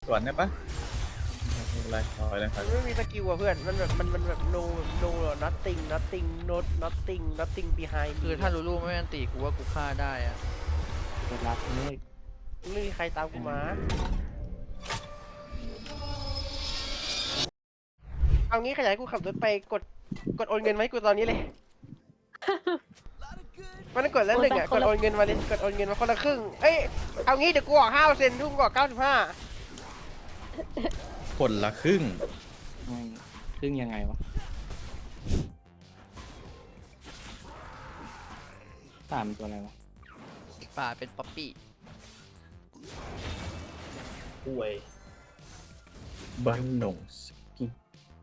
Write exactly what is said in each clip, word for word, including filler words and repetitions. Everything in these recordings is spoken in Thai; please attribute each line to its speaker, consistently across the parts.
Speaker 1: สวนได้ปะไม่เป็นไรถอยเลยถอย
Speaker 2: มันไม่มีสกิลอ่ะเพื่อนมันแบบมันมันแบบ no no nothing nothing not nothing nothing behind
Speaker 3: คือถ้าลูลูไม่อันตีกูว่ากูฆ่าได้อะ
Speaker 4: เปิดรับเลย
Speaker 2: ไม่มีใครตามกูมาเอางี้ขยายกูขับรถไปกดกดโอนเงินไหมกูตอนนี้เลยมันต้องกดแล้วหนึ่งอ่ะกดโอนเงินมาเลยกดโอนเงินมาคนละครึ่งเอ้ยเอางี้เดี๋ยวกูออกห้าเปอร์เซ็นต์ทุ่มกว่าเก้าสิบห้า
Speaker 1: คนละครึ่ง
Speaker 4: ไม่ครึ่งยังไงวะตามตัวอะไรวะ
Speaker 3: ป่าเป็นป๊อปปี้
Speaker 1: ป่วยบันหนงสกิน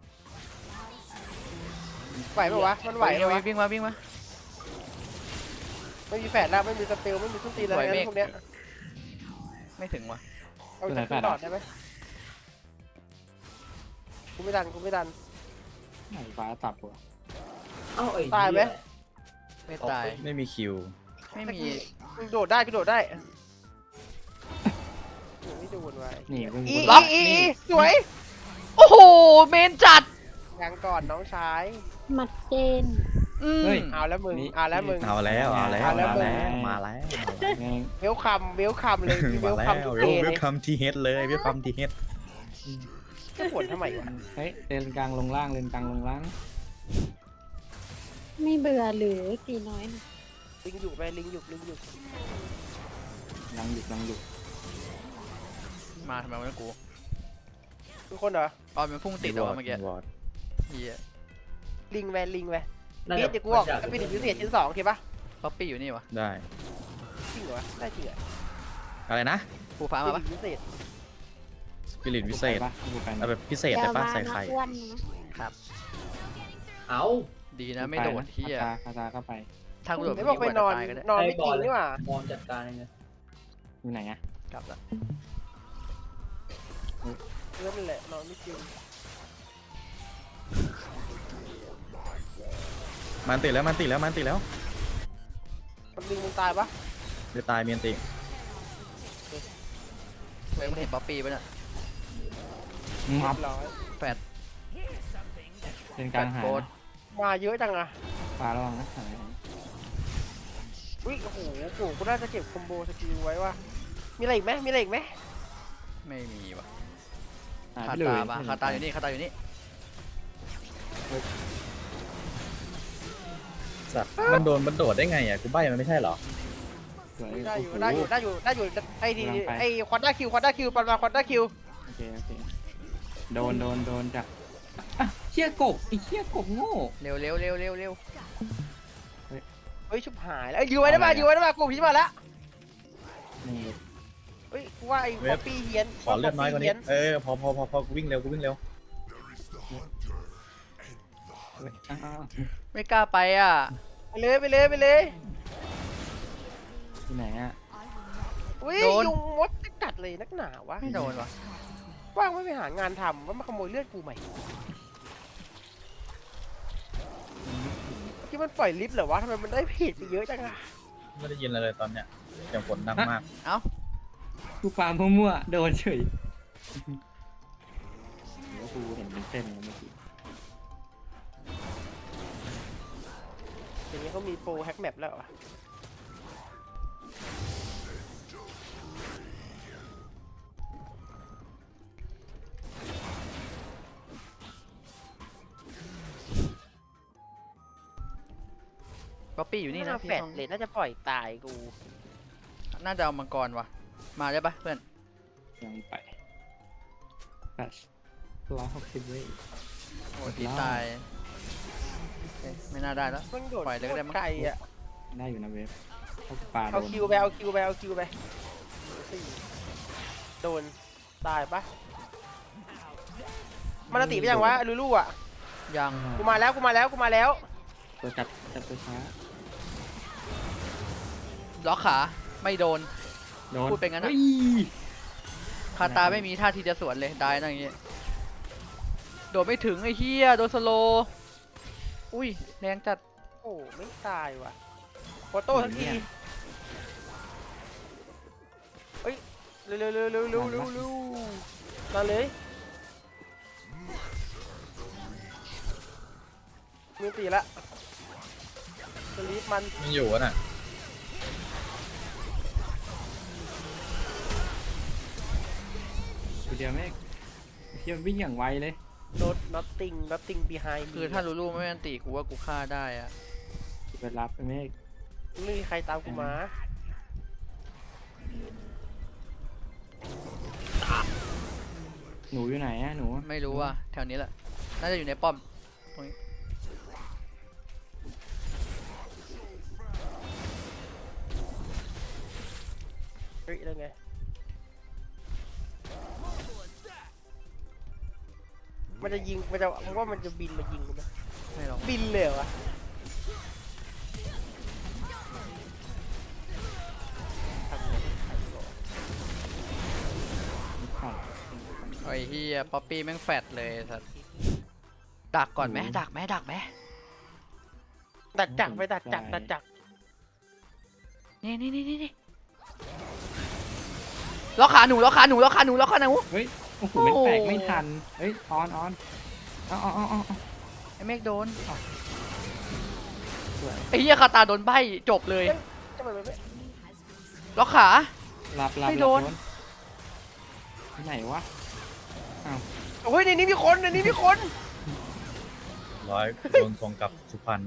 Speaker 2: ไหวปะวะมันไหวปะวะ
Speaker 3: วิ่งมาวิ่งมา
Speaker 2: ไม่มีแฝดแล้วไม่มีสเปลไม่มีทุนตีอะไรงั้นพวกเนี้ย
Speaker 3: ไม่ถึงวะ
Speaker 2: เอาจากขึ้นดอดได้ไหมกูไม่ดันกูไม่ดัน
Speaker 4: ไหนฟ้าตับวะ
Speaker 5: เอ้าไอ้
Speaker 2: ตายไหม
Speaker 3: ไม่ตาย
Speaker 1: ไม่มีคิว
Speaker 3: ไม่มี
Speaker 2: กูโดดได้กูโดดได้ไม่โดนไว้
Speaker 4: นี่เพิ่ง
Speaker 2: อี
Speaker 4: ล็
Speaker 2: อี
Speaker 4: อก
Speaker 2: อี
Speaker 4: นี่
Speaker 2: อีสวย
Speaker 3: โอ้โหเมนจัด
Speaker 2: ยังก่อนน้องชาย
Speaker 6: มัดเจน
Speaker 3: อืม
Speaker 2: เอาแล้วมึงเอาแล้วมึง
Speaker 1: เอาแล้วเอาแล้ว
Speaker 2: เอาแล้ว
Speaker 1: มาแล้วมาแล้ว
Speaker 4: แม่ง
Speaker 2: เวลคัมเวลคัมเลยเว
Speaker 1: มา
Speaker 2: ล
Speaker 1: แล้
Speaker 2: คัม
Speaker 1: ว
Speaker 2: ทุก
Speaker 1: เว
Speaker 2: เด
Speaker 1: ล
Speaker 2: ย์
Speaker 1: เว
Speaker 2: เล
Speaker 1: ล
Speaker 2: ย
Speaker 1: คัมทีเฮดเลยเวลคัมทีเฮด
Speaker 2: จะผลทำไมวะ
Speaker 4: เฮ้ยเลนกลางลงล่างเลนกลางลงล่าง
Speaker 6: ไม่เบื่อหรือตีน้อยนะ
Speaker 2: ลิงอยู่ไปลิงอยู่ลิงอยู่
Speaker 4: ลังหยุดลังหยุด
Speaker 3: มาทำไมวะกู
Speaker 2: ทุกคนเหรอ
Speaker 3: ตอนมันพุ่งติดเอาเมื่อกี้
Speaker 1: วอร์ด
Speaker 3: เฮีย
Speaker 2: ลิงไปลิงไป
Speaker 5: น่า
Speaker 2: นี่
Speaker 5: จะ
Speaker 2: จะกูออกจะเป็นพิเศษชิ้นสองโอเคปะ
Speaker 3: ป๊อปปี้อยู่นี่วะ
Speaker 1: ได้
Speaker 2: จริงเหรอได้จริงเหรอ
Speaker 1: อะไรนะ
Speaker 3: ภูฟ้ามาปะ
Speaker 2: พิเศษ
Speaker 1: สปิริตพิเศษ
Speaker 4: ปะกูไป
Speaker 1: เอาแบบพิเศษแต่ป้าใส่ไข่
Speaker 6: อ้วนนะ
Speaker 5: เอ้า
Speaker 3: ดีนะไม่โดดเฮีย
Speaker 4: คาคาคาเข้าไป
Speaker 3: ทางกูโดด
Speaker 2: ไม่
Speaker 3: เมื่
Speaker 2: บ
Speaker 3: อ
Speaker 2: อก
Speaker 3: กี้
Speaker 2: ไป
Speaker 3: กว่าน
Speaker 2: อน
Speaker 3: จะตายก็ได้
Speaker 2: นอนไม่จริงนี่หว่า
Speaker 5: มองจัดการเองเลย
Speaker 4: อยู่ไหนอะ
Speaker 3: กลับละ
Speaker 2: เรื่องนั่นแหละนอนไม่จริง
Speaker 1: มันติดแล้วมันติดแล้วมันติดแล้ว
Speaker 2: มันลิงมึงตายปะ
Speaker 1: เดี๋ยวตายเมียนติ
Speaker 3: เฮ้ยมึงเห็นป๊อปปี้ปะเนี่ย
Speaker 4: มับ
Speaker 2: ร้อย
Speaker 3: แฟด
Speaker 4: เลนกลางหาย
Speaker 3: โบส
Speaker 4: นะ
Speaker 2: มาเยอะจังอะ
Speaker 4: ฟ้าระวังนะหาย
Speaker 2: อุ้ยโอ้โหโอ้โหกูน่าจะเก็บคอมโบสกิลไว้ว่ะมีอะไรอีกไหมมีอะไรอีกไหม
Speaker 3: ไม่มีวะ
Speaker 4: หาย
Speaker 3: คา
Speaker 4: ไปเลย
Speaker 3: ตาปะคาตาอยู่นี่คาตาอยู่นี่
Speaker 1: สัตว์มันโดนมันโดดได้ไงอ่ะกูใบ้มันไม่ใช่เหรอ
Speaker 4: สวย
Speaker 2: ได้อยู่
Speaker 4: โโห
Speaker 2: ได้อยู่ได้อยู่ได้อยู่ไอ้ที
Speaker 4: กำลังไป
Speaker 2: ไอ้ควอด้าคิวควอด้าคิวปันมาควอด้าคิว
Speaker 4: โอเคโอเคโดนโดนโดนจากอ่ะเชี่ยกบไอ้เชี่ยกบโง่
Speaker 3: เร็วเร็วเร็วเร็วเร็ว
Speaker 2: เฮ้ยชุบหายแล้วอยู่ไว้ได้ป่ะอยู่ไว้ได้ป่ะกูพิจมาแล้ว
Speaker 4: นี่
Speaker 2: เฮ้ยกูว่าไอ้ป๊อปปี้เฮียน
Speaker 1: ขอเลือดน้อยกว่านี้เออพอพอพอพอกูวิ่งเร็วกูวิ่งเร็ว
Speaker 4: เว้ยอ้าว
Speaker 3: ไม่กล้าไปอ่ะ
Speaker 2: ไปเลยไปเลยไปเลย
Speaker 4: ที่ไหนอะ
Speaker 2: อุ้ยยุงมดจะกัดเลยนักหนาวะ
Speaker 3: ไม่โดนวะ
Speaker 2: ว่างไม่ไปหางานทำว่ามาขโมยเลือดกูใหม่ที่มันปล่อยลิฟต์เหรอวะทำไมมันได้ผิดไปเยอะจังอะ
Speaker 1: ไม่ได้ยินอะไรเลยตอนเนี้ยเสียงฝนดังมาก
Speaker 3: เอ้า
Speaker 4: กูฟาร์มมั่วๆโดนเฉยหรือว่ากูเห็นเป็นเส้นแล้วเมื่อกี้
Speaker 2: เดี๋ยวนี้เขามีโปรแฮกแมปแล้วเหรอ
Speaker 3: ป๊อปปี้อยู่นี่
Speaker 2: นี่
Speaker 3: นะ
Speaker 2: นะ
Speaker 3: พี่
Speaker 2: แฟด
Speaker 3: ต้อง
Speaker 2: เลยน่าจะปล่อยตายกู
Speaker 3: น่าจะเอามังกรวะมาได้ปะเพื่อน
Speaker 4: ยังไปแปดร้อยหกสิบเว้ย
Speaker 3: โอ้ตีตายโอเคไม่น่าได้แล้ว
Speaker 2: มันโดด
Speaker 3: ปล่อยเลยก็ได้มั้ง
Speaker 2: ไกลอะ
Speaker 4: ได้อยู่นะเวฟเขาปลาโด
Speaker 2: เอา
Speaker 4: น
Speaker 2: คิวไปเอาคิวไปเอาคิวไปสี่โดนตายปะมันติไปยังวะลูลูอะ
Speaker 3: ยัง
Speaker 2: กูมาแล้วกูมาแล้วกูมาแล้ว
Speaker 4: ตัวจับจับตัวช้า
Speaker 3: ล็อกขาไม่โดน
Speaker 4: โดน
Speaker 3: พูดไปงั้นอะ
Speaker 4: ฮ้ย
Speaker 3: คาตาไม่มีท่าทีจะสวนเลยได้นะอย่างงี้โดดไม่ถึงไอ้เหี้ยโดนสโลว์อุ้ยแรงจัด
Speaker 2: โอ้ไม่ตายว่ะโฟโต้ทันทีเฮ้ยเร็วเร็วเร็วเร็วเร็วเร็วเร็วมาเลยมีตีละสลีปมัน
Speaker 1: มันอยู่อะน่ะ
Speaker 4: ตัวเดียวแม่งเที่ยววิ่งอย่างไวเลย
Speaker 2: โนด nothing nothing behind
Speaker 3: คือถ้าลูลูไม่อันตีกูว่ากูฆ่าได้อะ
Speaker 4: ไปรับไปแม่ง
Speaker 2: ไม่มีใครตามกูมา
Speaker 4: หนูอยู่ไหนอะหนู
Speaker 3: ไม่รู้ว่าแถวนี้แหละน่าจะอยู่ในป้อมตรงนี้
Speaker 2: เฮ้ยได้ไงมันจะยิงมันจะมึงว่ามันจะบินมายิงกูไหม
Speaker 3: ไม่หรอก
Speaker 2: บินเลยเหรอวะทำไงทำก่อน
Speaker 4: ขาด
Speaker 3: ไอ้เฮียป๊อปปี้แม่งแฟดเลยสัสดักก่อนไหมดักไหมดักไหม
Speaker 2: ดัดจักรไปดัดจักรดัดจักร
Speaker 3: นี่นี่นี่นี่นี่ล็อกขาหนูล็อกขาหนูล็อกขาหนูล็อกขาหนู
Speaker 4: เฮ้ยโอ้โหเป็นแตกไม่ทันเฮ้ยออนออนเอาเอาเอาเอาเอา
Speaker 3: ไอ้เมฆโดน
Speaker 4: สวย
Speaker 3: ไอ้เหี้ยคาตาโดนใบจบเลย
Speaker 2: จะไปไม่
Speaker 3: ล็อกขา
Speaker 4: หลับหลับ
Speaker 3: ไม่
Speaker 4: ห
Speaker 3: โด
Speaker 4: ลับ
Speaker 3: น
Speaker 4: ที่ไหนวะอ้าว
Speaker 2: โอ้ยในนี้มีคนในนี้มีคน
Speaker 1: ร้อยโดนส่งกลับสุพรรณ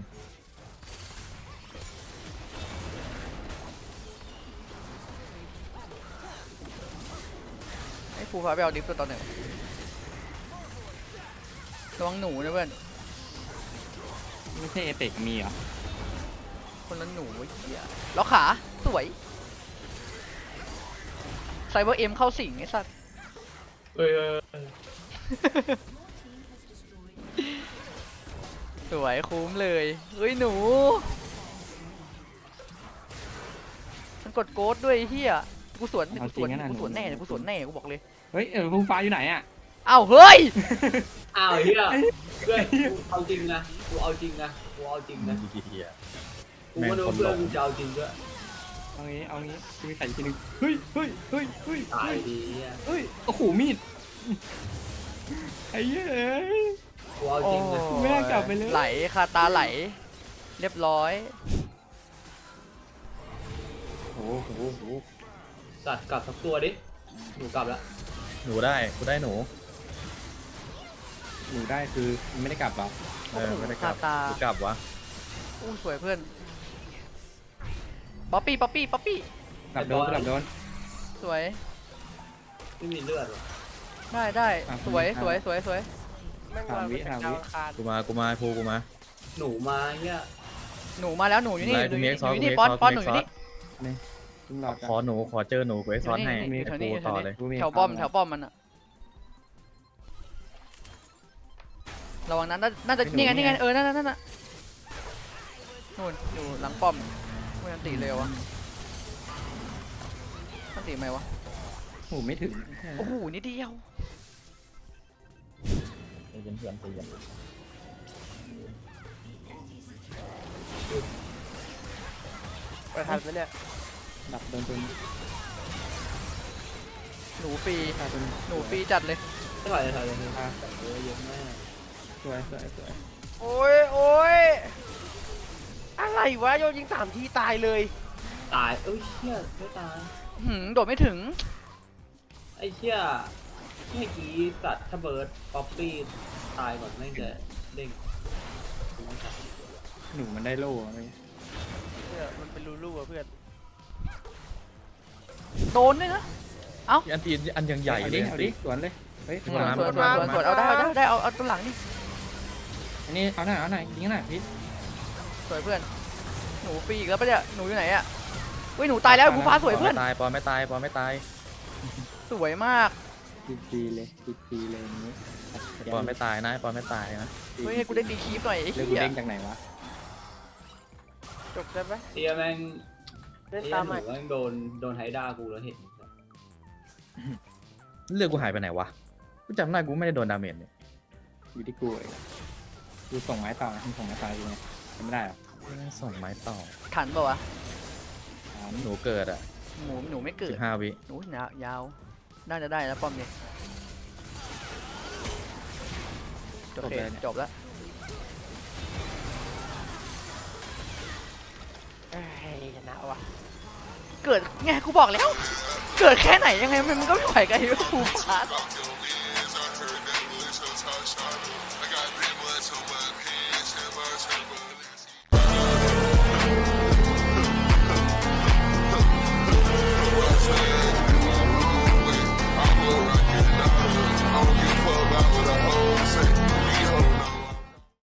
Speaker 3: ไอ้ฟูฟ้าไปเอาดิฟตัวตอนหนึ่งระวังหนูนะเพื่อน
Speaker 4: ไม่ใช่เอเปกมีเหรอ
Speaker 3: คนละหนูไอ้เหี้ยล็อกขาสวยไซเบอร์เอ็มเข้าสิงไอ้สัส
Speaker 1: เอ้ยเอ้ยเอ้ย
Speaker 3: สวยคุ้มเลยเฮ้ยหนูมันกดโกดด้วยไอ้เฮียกูสวนกูสวนกูสวนแน่กูสวนแน่กูบอกเลย
Speaker 4: เฮ้ยเออฟูฟ้าอยู่ไหนอะ
Speaker 3: อ้าวเฮ้ย
Speaker 5: อ้าวเฮียเพื่อนกูเอาจริงนะกูเอาจริงนะกูเอาจริงนะ
Speaker 1: เฮีย
Speaker 5: กูว่าเพื่อนกูจะเอาจริงด้วย
Speaker 4: เอางี้เอางี้กูมีใส่ทีนึงเฮ้ยเฮ้ยเฮ้ยเฮ้ย
Speaker 5: ตาย
Speaker 4: เฮ้ย
Speaker 5: ดีเฮีย
Speaker 4: เฮ้ยโอ้โหมีดไอ้เหี้ยเอ้ย
Speaker 5: กูเอาจริงนะ
Speaker 4: ไม่น่ากลับไปเลย
Speaker 3: ไหลคาตาไหล เรียบร้อย
Speaker 4: โอ้โหโอ้โห
Speaker 5: สัตว์กลับสักตัวดิหนูกลับแล้ว
Speaker 1: หนูได้กูได้หนู
Speaker 4: หนูได้คือไม่ได้กลับหรอ
Speaker 1: เออไม่ได้กลับ
Speaker 3: ตา
Speaker 1: กูกลับวะ
Speaker 3: อู้สวยเพื่อนป๊อปปี้ป๊อปปี้ป๊อปปี้
Speaker 4: กลับโดนกลับโดน
Speaker 3: สวย
Speaker 5: ไม่มีเลือดหรอ
Speaker 3: ได้ได้
Speaker 4: อ่ะ
Speaker 3: สวย
Speaker 4: คุณ
Speaker 3: สวย
Speaker 4: ครับ
Speaker 3: สวยสวย
Speaker 2: แม่ง
Speaker 4: สาม
Speaker 2: มา
Speaker 4: วิ
Speaker 2: เป็น
Speaker 4: สามวิ
Speaker 2: ดาวอังคาร
Speaker 1: กูมากูมาพูกูมา
Speaker 5: หนูมาเฮีย
Speaker 3: หนูมาแล้วหนูอยู่นี่
Speaker 1: ได้
Speaker 3: หนู
Speaker 1: กู
Speaker 3: อ
Speaker 1: มี
Speaker 3: ยู่
Speaker 1: เอ็กซ์ซอส
Speaker 3: นี่
Speaker 1: กูมี
Speaker 3: ป้อน
Speaker 1: เอ็กซ์ซอส
Speaker 3: ป้อนหนูอยู่นี่
Speaker 4: มึงรอ
Speaker 1: ขอหนูขอเจอหนูกูเอ็กซ์ซอสให้
Speaker 3: อยู่นี่
Speaker 1: ไอ้
Speaker 3: อยู่นี่
Speaker 1: กูต่อเลย
Speaker 4: กูมี
Speaker 3: แถวป้อม
Speaker 4: ครับ
Speaker 3: แถวป้อมมันอะระวังนั้นน่าน่าจะ
Speaker 4: ไม่
Speaker 3: นี่
Speaker 4: หนู
Speaker 3: ไง
Speaker 4: นี่
Speaker 3: นี่ไง
Speaker 4: ไง
Speaker 3: เออนั่นนั่นนั่นน่ะนู่นอยู่หลังป้อมไม่อันตีเร็ววะอันตีไหมวะ
Speaker 4: โอ้โหไม่ถึง
Speaker 3: โอ้โหนิดเดียว
Speaker 1: ใจเย็นเพื่อนใจเย็น
Speaker 2: ไปทันไหมเนี่ย
Speaker 4: ดับโดนตัวนี้
Speaker 3: หนูฟรี
Speaker 4: ฆ่าตัวนี้
Speaker 3: หนูฟรีจัดเลย
Speaker 5: ไม่ไหวเลยถอยเลยเธอเออเยอะมาก
Speaker 4: สวยสวยสวย
Speaker 2: โอ้ยโอ้ยอะไรวะโยนยิงสามทีตายเลย
Speaker 5: ตายเอ้ยเชี่ยไม่ตาย
Speaker 3: หืมโดดไม่ถึง
Speaker 5: ไอ้เชี่ยเมื่อกี้สัตว์ถ้าเบิร์ดป๊อปปี้ตายก่อนแม่งจะเด้งกูไม่ตัด
Speaker 4: หนูมันได้โล่อะไร
Speaker 2: เนี่ยมันเป็นลูลูอะเพื่อน
Speaker 3: โดนด้วยนะ
Speaker 1: อันตีอันยังใหญ่
Speaker 4: เอา
Speaker 1: เล
Speaker 4: ดิ
Speaker 1: ย
Speaker 4: เอาดิสวนเลยเฮ้ย
Speaker 3: สวน
Speaker 1: มา
Speaker 3: สวนส
Speaker 1: มา
Speaker 3: วนสวน
Speaker 1: มา
Speaker 3: สวนเอาได้เอาได้ได้เอาเอาตัวหลังนี่
Speaker 4: อันนี้เอาหน่อยเอาหน่อยยิงหน่อยพี่
Speaker 3: สวยเพื่อนหนูฟรีอีกแล้วปะเนี่ยหนูอยู่ไหนอะเฮ้ยหนูตายแล้วผู้ฟ้าสวยเพื่อน
Speaker 1: ปไม่ตายปอไม่ตายปอไม่ตาย
Speaker 3: สวยมาก
Speaker 4: ดีดีเลยดีดีเลยอย่างนี้
Speaker 1: ปอไม่ตายนะปอไม่ตายนะ
Speaker 3: เฮ้ยให้กูได้ตีคีฟหน่อยไอ้
Speaker 4: เรื่องกู
Speaker 3: เหี้ย
Speaker 4: เด้งจากไหนวะ
Speaker 2: จบได้ไหม
Speaker 5: เฮียแม่ง
Speaker 2: เล่น
Speaker 5: เฮีย
Speaker 2: ตาม
Speaker 5: ห
Speaker 2: ให
Speaker 5: นู
Speaker 2: ม่
Speaker 5: แม่งโดนโดนไฮด้ากูแล้วเห็น
Speaker 1: เลือกกูหายไปไหนวะกูจำได้กูไม่ได้โดนดาเมจเนี่ย
Speaker 4: อยู่ที่กูเองกูส่งไม้ต่อนะมึงส่งไม้ต่อยังไงทำไม่ได้หรอ
Speaker 1: ส่งไม้ต่อ
Speaker 3: ทันปะวะ
Speaker 4: ถาม
Speaker 1: หนูเกิดอ่ะ
Speaker 3: หนูหนูไม่เกิ
Speaker 1: สิ
Speaker 3: ด
Speaker 1: บห้าวิ
Speaker 3: หนูยาวยาวน่าจะได้แล้วป้อมเนี่ยโอเคจบแล้ว
Speaker 2: เอ้ยชนะว่ะ
Speaker 3: เกิดไงกูบอกแล้ว เกิดแค่ไหนยังไงมันก็ไม่ไหวกับไอ้ภูพาร์ท